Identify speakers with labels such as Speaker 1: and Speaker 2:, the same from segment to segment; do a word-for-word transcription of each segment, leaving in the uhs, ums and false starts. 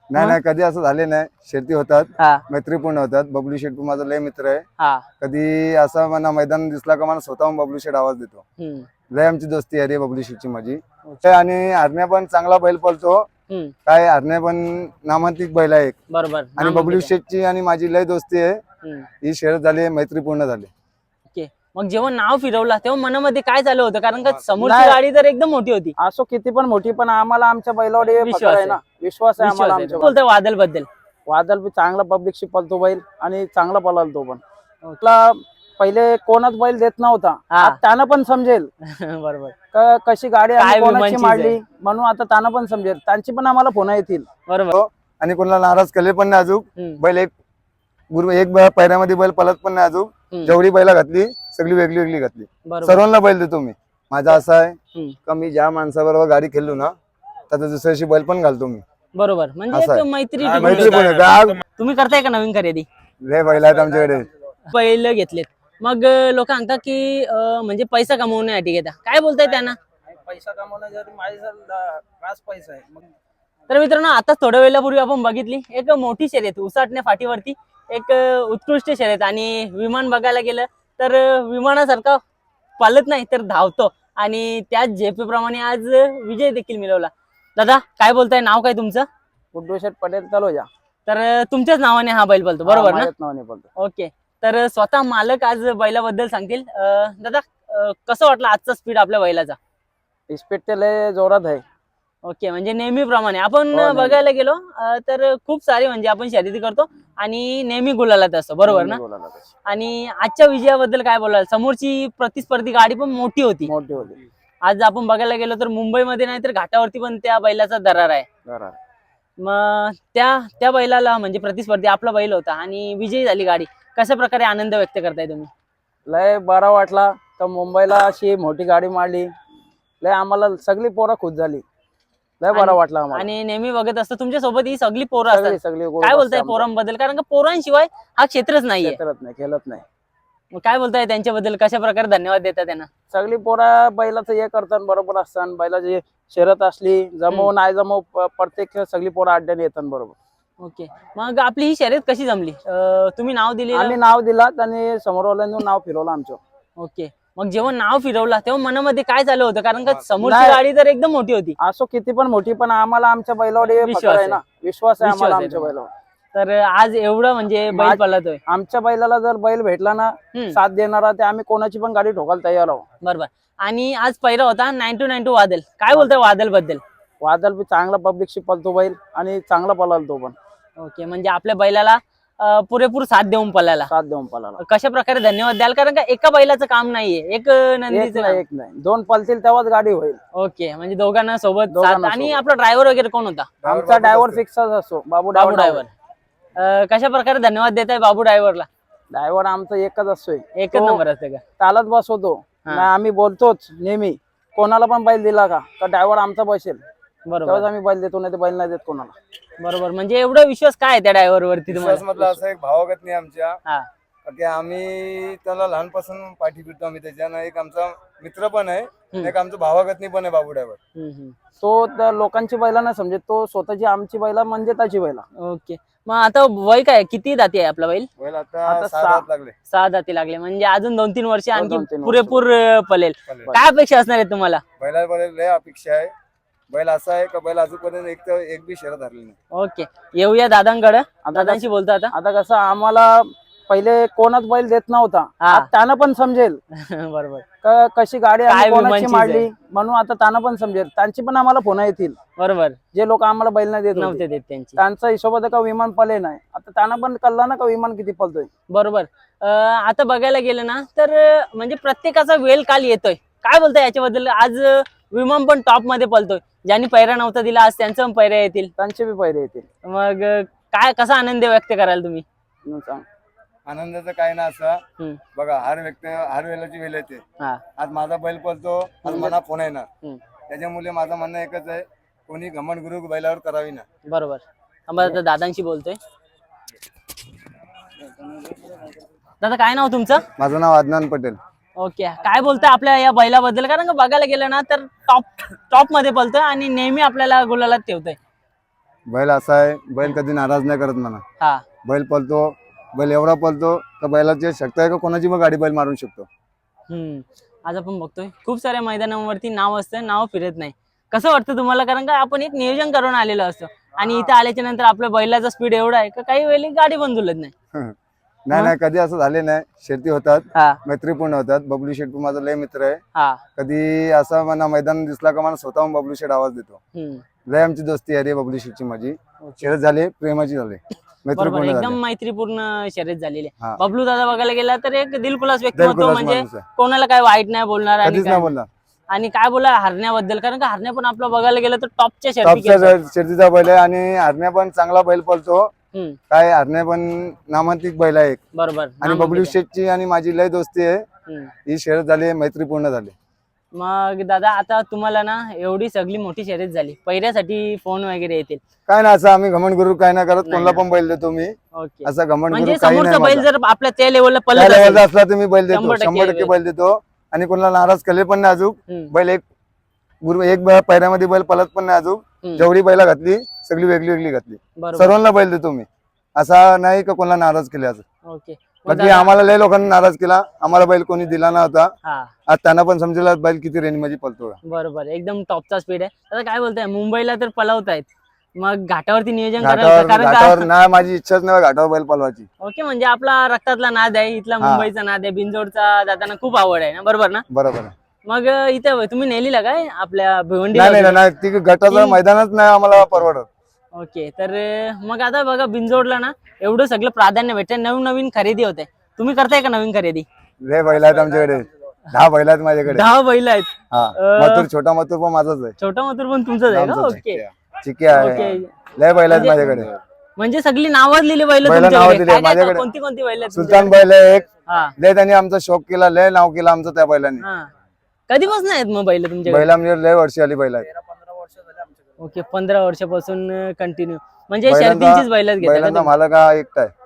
Speaker 1: नाही नाही कधी असं झाले नाही. शेती होतात,
Speaker 2: हा
Speaker 1: मैत्रीपूर्ण होतात. बबलू शेठ माझा लय मित्र आहे.
Speaker 2: हा
Speaker 1: कधी असं मला मैदान दिसला का मला स्वतःहून बबलू शेठ आवाज देतो.
Speaker 2: हम्म
Speaker 1: लय आमची दोस्ती आहे रे बबलू शेठची माझी. ते आणि हरण्या पण चांगला बैल पळतो.
Speaker 2: हम्म
Speaker 1: काय हरण्या पण नामांकित बैल आहे एक.
Speaker 2: बरोबर
Speaker 1: आणि
Speaker 2: नामांकित
Speaker 1: बबलू
Speaker 2: आहे.
Speaker 1: शेठची आणि माझी लय दोस्ती आहे.
Speaker 2: हम्म
Speaker 1: ही शर्यत झाली, मैत्रीपूर्ण झाली.
Speaker 2: ओके. मग जेव्हा नाव फिरवला तेव्हा मनामध्ये काय झालं होतं? कारण का समोरची
Speaker 3: नाही.
Speaker 2: गाडी तर एकदम मोठी होती.
Speaker 3: असो किती पण मोठी, पण आम्हाला आमच्या बैलावर हे
Speaker 2: विश्वास
Speaker 3: पकड आहे
Speaker 2: आहे.
Speaker 3: ना, विश्वास आहे
Speaker 2: विश्वास
Speaker 3: आम्हाला
Speaker 2: आहे.
Speaker 3: आमच्या
Speaker 2: बोलतोय वादल बद्दल.
Speaker 3: वादळ बी चांगला पब्लिकशी पळतो बैल आणि चांगला पळाल तो पण. आपला पहिले कोणाच बैल देत नव्हता,
Speaker 2: हा.
Speaker 3: आता त्यानं पण समजेल
Speaker 2: बरोबर
Speaker 3: का कशी गाडी
Speaker 2: काय
Speaker 3: आम्ही कोणाची
Speaker 2: विमानचीच
Speaker 3: मारली,
Speaker 2: आहे.
Speaker 3: म्हणून आता त्यानं पण समजेल. त्यांची पण आम्हाला फोन येतील.
Speaker 2: बरोबर
Speaker 1: आणि कोणाला नाराज केले पण नाही अजून.
Speaker 2: हम्म.
Speaker 1: बैल एक गुरु एक बै- पैऱ्यामध्ये बैल पळत पण नाही अजून.
Speaker 2: हम्म.
Speaker 1: जेवढी बैला घातली सगळी वेगळी वेगळी घातली.
Speaker 2: बरोबर
Speaker 1: सर्वांना बैल देतो मी. माझा असं आहे
Speaker 2: हम्म.
Speaker 1: का मी ज्या माणसाबरोबर गाडी खेळलो ना त्याचा दुसऱ्याशी बैल पण घालतो मी.
Speaker 2: बरोबर म्हणजे
Speaker 1: असं
Speaker 2: एक
Speaker 1: आहे.
Speaker 2: मैत्री
Speaker 1: हा,
Speaker 2: टिकून
Speaker 1: मैत्री
Speaker 2: ठेवता.
Speaker 1: पण आहे. गाव
Speaker 2: तुम्ही करताय का नवीन खरेदी?
Speaker 1: लय बैल आहेत आमच्याकडे.
Speaker 2: पहिलं घेतलेत मग लोक सांगतात की अं, म्हणजे पैसा कमवण्यासाठी घेता. काय बोलताय त्यांना?
Speaker 3: पैसा कमवण्यासाठी माझ्या खास पैसा आहे.
Speaker 2: तर मित्रांनो आता थोड्या वेळापूर्वी आपण बघितली एक मोठी शर्यत उसाटण्या फाटीवरती एक अं, उत्कृष्ट शर्यत. आणि विमान बघायला गेलं तर अं, विमानासारखा पालत नाही तर धावतो. आणि त्याच झेपे प्रमाणे आज विजय देखील मिळवला. दादा काय बोलताय? नाव काय तुमचं?
Speaker 3: गुड्डू शेठ पटेल तलोजा.
Speaker 2: तर अं, तुमच्याच नावाने हा बैल बोलतो बरोबर ना?
Speaker 3: माझ्याच नावाने बोलतो.
Speaker 2: ओके. तर स्वतः मालक आज बैलाबद्दल सांगतील. अं, दादा अं, कसं वाटलं आजचा स्पीड आपल्या बैलाचा?
Speaker 3: स्पीड ते लय जोरात आहे.
Speaker 2: ओके म्हणजे नेहमीप्रमाणे आपण
Speaker 3: हो, नेहमी.
Speaker 2: बघायला गेलो अं, तर खूप सारी म्हणजे आपण शर्यती करतो आणि नेहमी गुलालात असतो बरोबर ना?
Speaker 3: बोलायला तशी.
Speaker 2: आणि आजच्या विजयाबद्दल काय बोलाल? समोरची प्रतिस्पर्धी गाडी पण मोठी होती.
Speaker 3: मोठी होती.
Speaker 2: आज आपण बघायला गेलो तर मुंबईमध्ये नाही तर घाटावरती पण त्या बैलाचा दरार आहे.
Speaker 3: बरोबर.
Speaker 2: मग त्या त्या बैलाला म्हणजे प्रतिस्पर्धी आपला बैल होता आणि विजयी झाली गाडी. कशा प्रकारे आनंद व्यक्त करताय तुम्ही?
Speaker 3: लय बरा वाटला तर मुंबईला अशी मोठी गाडी मारली. लय आम्हाला सगळी पोरं खुश झाली. लय बरा
Speaker 2: आणि-
Speaker 3: वाटला आम्हाला.
Speaker 2: आणि नेहमी बघत असतो तुमच्या सोबत ही सगळी पोरं
Speaker 3: सगळी
Speaker 2: असतात.
Speaker 3: सगळी
Speaker 2: काय बोलताय पोरांबद्दल? कारण का पोरांशिवाय हा क्षेत्रच नाहीये.
Speaker 3: खेळत नाही खेळत नाही.
Speaker 2: मग काय बोलताय त्यांच्याबद्दल? कशा प्रकारे धन्यवाद देता त्यांना?
Speaker 3: सगळी पोरं बैलाचं हे करतात बरोबर असतात. बैलाची शर्यत असली जमव नाही जमव प- प्रत्येक सगळी पोरं अड्ड्याने येतात बरोबर.
Speaker 2: ओके. मग आपली ही शर्यत कशी जमली? अं, तुम्ही नाव दिले.
Speaker 3: आम्ही नाव दिलात आणि समोरवाल्यांनी नाव फिरवलं आमचं.
Speaker 2: ओके. मग जेव्हा नाव फिरवला तेव्हा मनामध्ये काय झालं होतं? कारण का समोरची
Speaker 3: नाही.
Speaker 2: गाडी तर एकदम मोठी होती.
Speaker 3: असो किती पण मोठी, पण आम्हाला आमच्या बैलावर हे
Speaker 2: विश्वास
Speaker 3: पकड आहे
Speaker 2: आहे.
Speaker 3: ना, विश्वास आहे
Speaker 2: विश्वास
Speaker 3: आम्हाला
Speaker 2: आहे
Speaker 3: आमच्या
Speaker 2: तुम्हाला.
Speaker 3: बैलावर.
Speaker 2: तर आज एवढं म्हणजे बैल
Speaker 3: माझ-
Speaker 2: पळतोय.
Speaker 3: आमच्या बैलाला जर बैल भेटला ना
Speaker 2: हम्म.
Speaker 3: साथ देणारा, ते आम्ही कोणाची पण गाडी ठोकायला तयार आहोत.
Speaker 2: बरोबर. आणि आज पहिला होता नाईन टू नाईन टू वादल. काय बोलतोय वादल बद्दल?
Speaker 3: वादळ बी चांगला पब्लिकशी पळतो बैल आणि चांगला पळाल तो पण.
Speaker 2: ओके म्हणजे आपल्या बैलाला अं, पुरेपूर साथ देऊन पळायला.
Speaker 3: साथ देऊन पळाला.
Speaker 2: कशा प्रकारे धन्यवाद द्याल? कारण का एका बैलाचं काम नाहीये, एक
Speaker 3: एक
Speaker 2: नंदीचं
Speaker 3: नाही
Speaker 2: काम.
Speaker 3: एक नाही दोन पळतील तेव्हाच गाडी होईल.
Speaker 2: ओके म्हणजे दोघांना सोबत
Speaker 3: दोघांना
Speaker 2: साथ. आणि
Speaker 3: सोबत.
Speaker 2: आपला ड्रायव्हर वगैरे कोण होता?
Speaker 3: आमचा ड्रायव्हर फिक्सच असतो बाबू
Speaker 2: बाबू
Speaker 3: ड्रायव्हर.
Speaker 2: ड्रायव्हर. कशा प्रकारे धन्यवाद देताय बाबू ड्रायव्हरला?
Speaker 3: ड्रायव्हर आमचा एकच असतोय.
Speaker 2: एकच
Speaker 3: तो
Speaker 2: नंबर असते का?
Speaker 3: चालत बसवतो.
Speaker 2: हा.
Speaker 3: नाही आम्ही बोलतोच नेहमी, कोणाला पण बैल दिला का का ड्रायव्हर आमचा बसेल तेव्हाच
Speaker 2: बरोबर
Speaker 3: आम्ही बैल देतो, नाही तर बैल नाही देत कोणाला.
Speaker 2: बरोबर. म्हणजे एवढा विश्वास काय आहे त्या ड्रायव्हर वरती
Speaker 1: विश्वास
Speaker 2: तुम्हाला?
Speaker 1: मधला असं एक भावागत नाही आमच्या.
Speaker 2: हा
Speaker 1: की आम्ही त्याला लहानपासून पाठी फिरतो आम्ही त्याच्यानं. एक आमचा मित्र पण आहे, एक आमचा भावागतनी पण आहे बाबू ड्रायव्हर.
Speaker 2: हम्म, हम्म.
Speaker 3: तो त्या लोकांची बैला नाही समजेत, तो स्वतःची आमची बैला म्हणजे त्याची बैला.
Speaker 2: ओके. मग आता वय काय? किती दाती आहे आपला बैल?
Speaker 1: बैल आता
Speaker 3: आता
Speaker 1: सहा
Speaker 3: सहा.
Speaker 1: दात लागले.
Speaker 2: सहा दाती लागले म्हणजे अजून दोन तीन वर्ष आणखी
Speaker 3: दोन तीन वर्ष.
Speaker 2: पुरेपूर अं, पळेल.
Speaker 1: पळेल.
Speaker 2: काय अपेक्षा असणार आहे तुम्हाला?
Speaker 1: बैला बैल लय अपेक्षा आहे. बैल असा आहे का बैल अजूनपर्यंत एक तर एक बी शर्यत हरली नाही.
Speaker 2: ओके. येऊया दादांकडे.
Speaker 3: आता
Speaker 2: दादांशी बोलतो आता.
Speaker 3: आता कसं आम्हाला पहिले कोणाच बैल देत नव्हता,
Speaker 2: हा.
Speaker 3: आता त्यानं पण समजेल
Speaker 2: बरोबर
Speaker 3: का कशी गाडी
Speaker 2: काय
Speaker 3: आम्ही कोणाची
Speaker 2: विमानचीच
Speaker 3: मारली,
Speaker 2: आहे.
Speaker 3: म्हणून आता त्यानं पण समजेल. त्यांची पण आम्हाला फोन येतील,
Speaker 2: बरोबर.
Speaker 3: जे लोक आम्हाला बैल नाही देत होते.
Speaker 2: नव्हते देत त्यांची.
Speaker 3: त्यांचा हिशोबात का विमान पले नाही, आता त्यानं पण कळला ना का विमान किती पलतोय.
Speaker 2: बरोबर. अं, आता बघायला गेलं ना तर अं, म्हणजे प्रत्येकाचा वेळ काल येतोय. काय बोलताय याच्याबद्दल? आज अं, विमान पण टॉप मध्ये पळतोय. ज्यांनी पैरा नव्हता दिला आज त्यांचं पण पैरा येतील.
Speaker 3: त्यांचे बी पहिले येतील.
Speaker 2: मग अं, काय कसा आनंद व्यक्त कराल तुम्ही?
Speaker 3: म्हणून सांग.
Speaker 1: आनंदाचं काय ना असं
Speaker 2: हम्म.
Speaker 1: बघा, हर व्यक्ती हर वेळेची वेळ येते.
Speaker 2: हा
Speaker 1: आज माझा बैल पळतो, आज मला फोन येणार.
Speaker 2: हम्म.
Speaker 1: त्याच्यामुळे माझं म्हणणं एकच आहे, कोणी घमंड गुरु बैलावर करावी ना.
Speaker 2: बरोबर. थांबा आता दादांशी बोलतोय. दादा काय नाव तुमचं?
Speaker 1: माझं नाव अदनान पटेल.
Speaker 2: ओके. काय बोलताय आपल्या या बैलाबद्दल? कारण का बघायला गेलं ना तर टॉप टॉप मध्ये पळतोय आणि नेहमी आपल्याला गुलालात ठेवतोय.
Speaker 1: बैल असा आहे, बैल कधी नाराज नाही करत म्हणा.
Speaker 2: हा
Speaker 1: बैल पळतो, बैल एवढा पळतो का बैलाची शक्ती आहे का कोणाची पण गाडी बैल मारू शकतो.
Speaker 2: हम्म आज आपण बघतोय खूप साऱ्या मैदानावरती नाव असतं, नाव फिरत नाही. कसं वाटतं तुम्हाला? कारण का आपण एक नियोजन करून आलेलो असतो आणि इथं आल्याच्या नंतर आपल्या बैलाचा स्पीड एवढा आहे का काही वेळी गाडी पण झुलत नाही.
Speaker 1: नाही नाही कधी असं झाले नाही. शेती होतात,
Speaker 2: हा
Speaker 1: मैत्रीपूर्ण होतात. बबलू शेठ माझा लय मित्र आहे.
Speaker 2: हा
Speaker 1: कधी असं मला मैदान दिसला का मला स्वतःहून बबलू शेठ आवाज देतो.
Speaker 2: हम्म
Speaker 1: लय आमची दोस्ती आहे रे बबलू शेठची माझी. शर्यत झाली, प्रेमाची झाली,
Speaker 2: बरोबर
Speaker 1: मैत्रीपूर्ण
Speaker 2: एकदम
Speaker 1: झाली.
Speaker 2: मैत्रीपूर्ण शर्यत झालेली आहे.
Speaker 1: हा.
Speaker 2: बबलू दादा बघायला गेला तर एक दिलखुलास व्यक्तिमत्व,
Speaker 1: दिलखुलास
Speaker 2: म्हणजे
Speaker 1: माणूस आहे.
Speaker 2: कोणाला काय वाईट नाही बोलणार आणि
Speaker 1: कधीच
Speaker 2: काय
Speaker 1: नाही बोलला.
Speaker 2: आणि काय बोला हरण्याबद्दल, कारण का हरण्या पण आपलं बघायला गेलं तर टॉपच्या शर्ती
Speaker 1: टॉपचा
Speaker 2: खेळतो.
Speaker 1: शर्यतीचा बैल आहे आणि हरण्या पण चांगला बैल पळतो.
Speaker 2: हम्म,
Speaker 1: काय हरण्या पण नामांतिक बैल आहे एक.
Speaker 2: बरोबर
Speaker 1: आणि
Speaker 2: नाम
Speaker 1: बबलू
Speaker 2: घेते.
Speaker 1: शेठची आणि माझी लय दोस्ती आहे.
Speaker 2: हम्म.
Speaker 1: ही शर्यत झाली, मैत्रीपूर्ण झाली.
Speaker 2: मग दादा आता तुम्हाला ना एवढी सगळी मोठी शर्यत झाली, पहिऱ्यासाठी फोन वगैरे येतील.
Speaker 1: काय ना असं आम्ही घमंड गुरु काय नाही करत.
Speaker 2: नाही
Speaker 1: कोणाला
Speaker 2: ना.
Speaker 1: पण बैल देतो मी.
Speaker 2: ओके
Speaker 1: असं घमंड
Speaker 2: म्हणजे
Speaker 1: गुरु काही
Speaker 2: समोरचा
Speaker 1: नाही
Speaker 2: बैल
Speaker 1: माझा.
Speaker 2: जर आपल्या त्या लेवलला
Speaker 1: त्या
Speaker 2: पळत
Speaker 1: लेवलचा
Speaker 2: असेल,
Speaker 1: असला तर मी बैल देतो,
Speaker 2: शंभर टक्के
Speaker 1: शंभर टक्के
Speaker 2: बैल.
Speaker 1: बैल देतो. आणि कोणाला नाराज केले पण नाही अजून.
Speaker 2: हम्म,
Speaker 1: बैल एक गुरु एक बै- पैऱ्यामध्ये बैल पळत पण नाही अजून.
Speaker 2: हम्म,
Speaker 1: जेवढी बैला घातली सगळी वेगळी वेगळी घातली.
Speaker 2: बरोबर
Speaker 1: सर्वांना बैल देतो मी. असा नाही का कोणाला नाराज केले असं.
Speaker 2: ओके मग
Speaker 1: बाकी
Speaker 2: दादा-
Speaker 1: आम्हाला लय लोकांना नाराज केला. आम्हाला बैल कोणी दिला नव्हता.
Speaker 2: हा
Speaker 1: आज त्यांना पण समजेल बैल किती रेंज मध्ये पळतो.
Speaker 2: बरोबर एकदम टॉपचा स्पीड आहे. आता काय बोलताय, मुंबईला तर पळवतायत, मग घाटावरती नियोजन करायला
Speaker 1: घाटावर
Speaker 2: कारण
Speaker 1: घाटावर
Speaker 2: का
Speaker 1: नाही, माझी इच्छाच नाही घाटावर बैल पळवायची.
Speaker 2: ओके म्हणजे आपला रक्तातला नाद आहे, इथला
Speaker 1: हा.
Speaker 2: मुंबईचा नाद आहे, बिनजोडचा दादांना खूप आवड आहे ना, बरोबर ना?
Speaker 1: बरोबर आहे.
Speaker 2: मग इथे तुम्ही नेलीला काय आपल्या भिवंडी
Speaker 1: नाही नाही नाही ती गटाचं
Speaker 2: ती-
Speaker 1: मैदानच नाही आम्हाला परवडत.
Speaker 2: ओके तर मग आता बघा बिनजोडला ना एवढं सगळं प्राधान्य भेटते, नवीन नवीन खरेदी होते. तुम्ही करताय का नवीन खरेदी?
Speaker 1: लय बैल आहेत आमच्याकडे. दहा बैल आहेत माझ्याकडे.
Speaker 2: दहा बैल आहेत.
Speaker 1: हा
Speaker 2: अं,
Speaker 1: मथुर छोटा मथुर पण माझाच आहे.
Speaker 2: छोटा मथुर पण तुमचंच आहे का?
Speaker 1: आमचंच आहे.
Speaker 2: ओके
Speaker 1: चिके आहे.
Speaker 2: ओके
Speaker 1: लय बैल आहेत
Speaker 2: म्हणजे-
Speaker 1: माझ्याकडे.
Speaker 2: म्हणजे सगळी नावाजलेली बैल
Speaker 1: बैलं नावाजलेली आहे
Speaker 2: तुमच्याकडे
Speaker 1: माझ्याकडे.
Speaker 2: कोणती कोणती बैल आहेत
Speaker 1: सुलतान बैल आहे एक.
Speaker 2: तुमच्याकडे? हा
Speaker 1: लय त्यांनी आमचा शौक केला, लय नाव केलं आमचं त्या बैलांनी.
Speaker 2: हा कधीपासून आहेत मग बैल तुमच्याकडे?
Speaker 1: बैला म्हणजे लय वर्षी आली बैल आहेत.
Speaker 2: ओके पंधरा वर्षापासून कंटिन्यू म्हणजे
Speaker 1: बैलांचा-
Speaker 2: शर्तींचीच बैलच घेतात का
Speaker 1: बैलांचा
Speaker 2: तुम्ही?
Speaker 1: मालक हा एकटा आहे.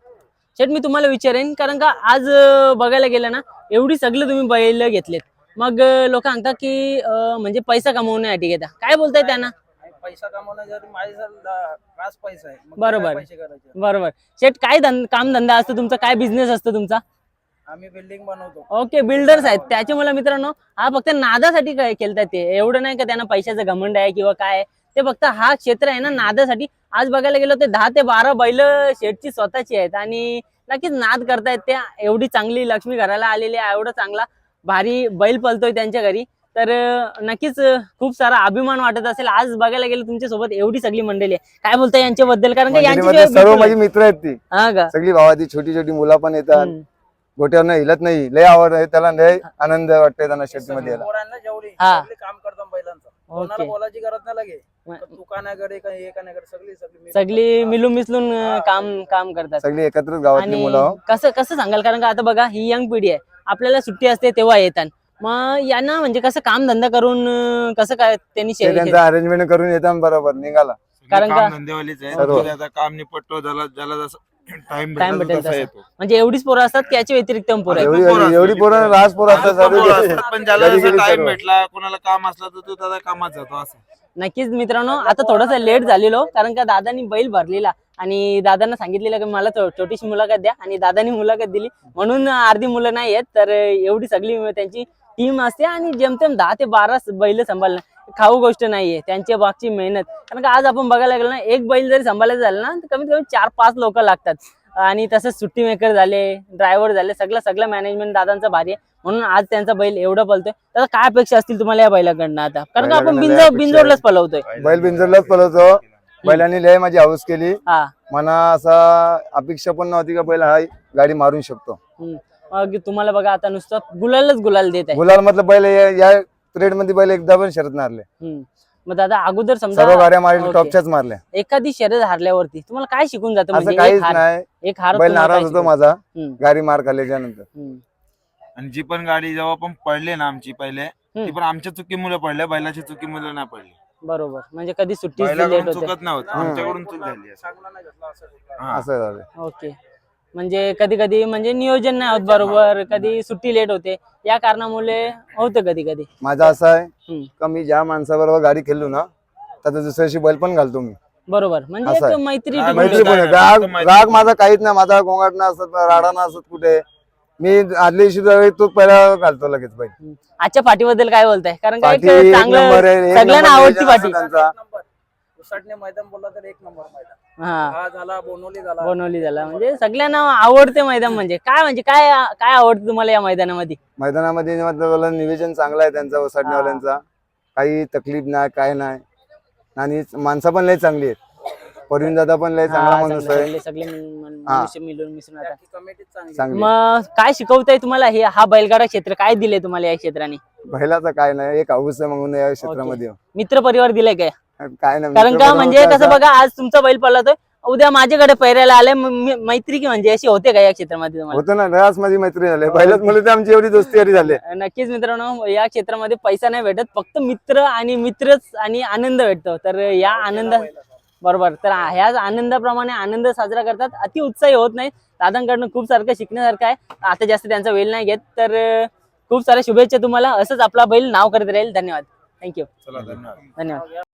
Speaker 2: शेठ मी तुम्हाला विचारेन, कारण का आज अं, बघायला गेलं ना एवढी सगळं तुम्ही बैल घेतलेत, मग लोक सांगतात की अं, म्हणजे पैसा कमवण्यासाठी घेता, काय बोलताय त्यांना?
Speaker 3: पैसा कमवण्यासाठी माझ्या खास पैसा आहे. मग
Speaker 2: बरोबर.
Speaker 3: काय पैसे करायचे?
Speaker 2: बरोबर. शेठ काय धं- काम धंदा असतो तुमचा, काय बिझनेस असतो तुमचा?
Speaker 3: आम्ही बिल्डिंग बनवतो.
Speaker 2: ओके बिल्डर्स आहेत. त्याचे मला मित्रांनो हा फक्त नादासाठी काय केलतात ते, एवढं नाही का त्यांना पैशाचं घमंड आहे किंवा काय आहे. ते फक्त हा क्षेत्र आहे ना नादासाठी. आज बघायला गेलो ते दहा ते बारा बैल शेठची स्वतःची आहेत आणि नक्कीच नाद करतायत त्या. एवढी चांगली लक्ष्मी घराला आलेली आहे, एवढं चांगला भारी बैल पळतोय त्यांच्या घरी, तर अं, नक्कीच अं, खूप सारा अभिमान वाटत असेल. आज बघायला गेलं तुमच्या सोबत एवढी सगळी मंडळी आहे, काय बोलताय यांच्याबद्दल? कारण का
Speaker 1: मंडळीमध्ये
Speaker 2: यांच्याशिवाय
Speaker 1: सर्व
Speaker 2: बिलकुल
Speaker 1: माझी
Speaker 2: नाही.
Speaker 1: मित्र आहेत ती.
Speaker 2: हा का?
Speaker 1: सगळी भावाची छोटी छोटी मुलं पण येतात.
Speaker 2: हम्म.
Speaker 1: गोट्यावर हिलत नाही, लय आवड आहे त्याला, लय आनंद वाटतंय त्यांना शेतीमध्ये यायला.
Speaker 3: पोरांना जेवढी
Speaker 2: हा.
Speaker 3: सगळी काम करतो बैलांचं. कोणाला
Speaker 2: ओके.
Speaker 3: बोलायची गरज नाही लागे.
Speaker 2: म-
Speaker 3: दुकानाकडे काही एकाकडे सगळी सगळी
Speaker 2: सगळी मिळून मिसळून अं, काम काम करतात.
Speaker 1: सगळी एकत्रच गावातली
Speaker 2: आणि
Speaker 1: मुलं आहो.
Speaker 2: कसं कसं सांगाल, कारण का आता बघा ही यंग पिढी आहे, आपल्याला सुट्टी असते तेव्हा येतात, मग यांना म्हणजे कसं काम धंदा करून अं, कसं काय त्यांनी
Speaker 1: ते
Speaker 2: शे-
Speaker 1: त्यांचं अरेंजमेंट करून येतात बरोबर निघाला.
Speaker 2: कारण का-
Speaker 4: काम धंदेवालीच आहे.
Speaker 1: सर्व.
Speaker 4: तो आता काम निपटतो, ज्याला ज्याला जसं टाइम
Speaker 2: Time
Speaker 4: भेटेल
Speaker 2: भेटेल
Speaker 4: तसा
Speaker 2: तसा.
Speaker 4: येतो.
Speaker 2: म्हणजे एवढीच पोरं असतात की याच्या व्यतिरिक्त पण पोरं आहेत.
Speaker 1: एवढी
Speaker 4: पोरं असतात.
Speaker 1: एवढी पोरं रास पोरं असतात
Speaker 4: आता पोरं
Speaker 1: सर्व.
Speaker 4: असतात, पण ज्याला
Speaker 1: घरी
Speaker 4: जसं
Speaker 1: गेली
Speaker 4: टाइम
Speaker 1: सर्व.
Speaker 4: भेटला, कोणाला काम असला तर तो त्याचा कामात जातो असं.
Speaker 2: नक्कीच मित्रांनो, आता थोडंसं लेट झालेलो, कारण का दादानी बैल भरलेला आणि दादांना सांगितलेलं की मला थो- छोटीशी मुलाखत द्या, आणि दादानी मुलाखत दिली म्हणून अर्धी मुलं नाही आहेत. तर एवढी सगळी त्यांची टीम असते आणि जेमतेम दहा ते बारा बैल सांभाळणं खाऊ गोष्ट नाहीये, त्यांच्या मागची मेहनत. कारण का आज आपण बघायला गेलो ना, एक बैल जरी सांभाळायचं झालं ना तर कमीत कमी चार पाच लोक लागतात. आणि तसंच सुट्टी मेकर झाले, ड्रायव्हर झाले, सगळं सगळं मॅनेजमेंट दादांचं भारी आहे, म्हणून आज त्यांचा बैल एवढं पळतोय. तर काय अपेक्षा असतील तुम्हाला या बैलाकडनं आता, कारण का आपण
Speaker 1: बैलाकडनं लय
Speaker 2: बिंजो
Speaker 1: अपेक्षा
Speaker 2: बिंजोडलाच
Speaker 1: आहे.
Speaker 2: पळवतोय?
Speaker 1: बैल बिंजरलाच पळवतो. बैलांनी लय माझी हाऊस केली.
Speaker 2: हा
Speaker 1: मना असा अपेक्षा पण नव्हती का बैल हा गाडी मारून शकतो.
Speaker 2: हम्म. मग तुम्हाला बघा आता नुसतं गुलालच गुलाल देत आहे.
Speaker 1: गुलाल मतलब बैल या- या ट्रेड मध्ये बैल एकदा पण शरत मारले.
Speaker 2: हम्म. मग दादा अगोदर समजा
Speaker 1: सर्व गाड्या मारल्या,
Speaker 2: ओके.
Speaker 1: टॉपच्याच मारल्या.
Speaker 2: एखादी शर्यत हारल्यावरती तुम्हाला काय शिकून जातं?
Speaker 1: असं
Speaker 2: म्हणजे
Speaker 1: काहीच
Speaker 2: एक हार
Speaker 1: नाही.
Speaker 2: एक हार
Speaker 1: बैल
Speaker 2: तुम्हाला
Speaker 1: नाराज
Speaker 2: काय
Speaker 1: होतो
Speaker 2: शिकवतं?
Speaker 1: माझा
Speaker 2: हम्म.
Speaker 1: गाडी मार खाल्ल्याच्या नंतर.
Speaker 2: हम्म.
Speaker 4: आणि जी पण गाडी जेव्हा पण पडले ना आमची पहिले,
Speaker 2: हम्म.
Speaker 4: ती पण आमच्या चुकीमुळे पडले, बैलाची चुकीमुळे नाही पडली.
Speaker 2: बरोबर, म्हणजे कधी सुट्टी लेट
Speaker 4: बैलाकडून
Speaker 2: होते.
Speaker 4: चुकत नाही होत, आमच्याकडून चूक झाली आहे.
Speaker 3: चांगला नाही घेतला असं.
Speaker 4: हा.
Speaker 1: असं झालं.
Speaker 2: ओके, म्हणजे कधी कधी म्हणजे नियोजन नाही होत बरोबर, कधी सुट्टी लेट होते, या कारणामुळे होतं कधी कधी.
Speaker 1: माझा असं आहे
Speaker 2: हम्म.
Speaker 1: का मी ज्या माणसाबरोबर गाडी खेळलो ना त्याचा दुसऱ्याशी बैल पण घालतो मी.
Speaker 2: बरोबर, म्हणजे
Speaker 5: असं
Speaker 2: एक
Speaker 5: आहे.
Speaker 2: मैत्री
Speaker 4: हा,
Speaker 2: टिकून
Speaker 5: मैत्री
Speaker 2: ठेवतात.
Speaker 5: पण आहे.
Speaker 4: फक्त
Speaker 5: राग
Speaker 4: मैत्री.
Speaker 5: राग माझा काहीच नाही, माझा गोंगाट ना असत राडा ना असत कुठे. मी आदल्या दिवशी ज्यावेळी तो पहिला घालतो लगेच बैल.
Speaker 2: आजच्या फाटीबद्दल काय बोलताय? कारण काय
Speaker 5: पाठी एक नंबर
Speaker 2: चांगलं
Speaker 5: आहे, एक
Speaker 2: सगळ्यांना
Speaker 5: नंबर
Speaker 2: आवडती
Speaker 5: नियोजन
Speaker 2: पाठी.
Speaker 5: असतं त्यांचा.
Speaker 3: उसाटणे मैदान बोलला तर एक नंबर मैदान.
Speaker 2: हा
Speaker 3: हा झाला बोनवली झाला.
Speaker 2: बनवली झाला म्हणजे सगळ्यांना आवडते मैदान. म्हणजे काय म्हणजे काय काय आवडतं तुम्हाला या मैदानामध्ये?
Speaker 5: मैदानामध्ये मतलब नियोजन चांगलं आहे त्यांचा ओसाडण्यावाल्यांचा. काही तकलीफ नाही, काय नाही. आणि माणसं पण लय चांगली आहेत. परवीन दादा पण लय चांगला
Speaker 2: हा,
Speaker 5: माणूस
Speaker 2: चांगले-
Speaker 5: आहे.
Speaker 2: सगळे सगळे मिळून-
Speaker 5: हा.
Speaker 2: मनुष्य मिळून मिसळून राहतात.
Speaker 3: कमिटी चांगली.
Speaker 5: चांगली.
Speaker 2: मग काय शिकवताय तुम्हाला हे हा बैलगाडा क्षेत्र काय दिले तुम्हाला या क्षेत्राने?
Speaker 5: बैलाचं काय नाही, एक हौस आहे म्हणून या क्षेत्रामध्ये.
Speaker 2: मित्र परिवार दिलाय काय?
Speaker 5: काय नाही
Speaker 2: कारण का
Speaker 5: मित्र
Speaker 2: म्हणजे
Speaker 5: परिवार
Speaker 2: कसं
Speaker 5: असा-
Speaker 2: बघा, आज तुमचा बैल पळतोय, उद्या माझ्याकडे पैरायला आले, म- मी- मैत्री की म्हणजे अशी होते का या क्षेत्रामध्ये तुम्हाला?
Speaker 5: होतं ना, रस माझी मैत्री झाली. बैलात मला तर आमची एवढी दोस्ती यारी झाली.
Speaker 2: नक्कीच मित्रांनो, या क्षेत्रामध्ये पैसा नाही भेटत, फक्त मित्र आणि मित्रच आणि आनंद भेटतो. तर या आनंद बरोबर, तर ह्या आनंदाप्रमाणे आनंद साजरा करतात. अति उत्साही होत नाही. दादांकडनं खूप सारखं शिकण्यासारखं आहे. आता जास्त त्यांचा वेळ नाही घेत, तर अं, खूप साऱ्या शुभेच्छा तुम्हाला. असंच आपला बैल नाव करत राहील. धन्यवाद. थँक्यू.
Speaker 4: चला धन्यवाद.
Speaker 2: धन्यवाद.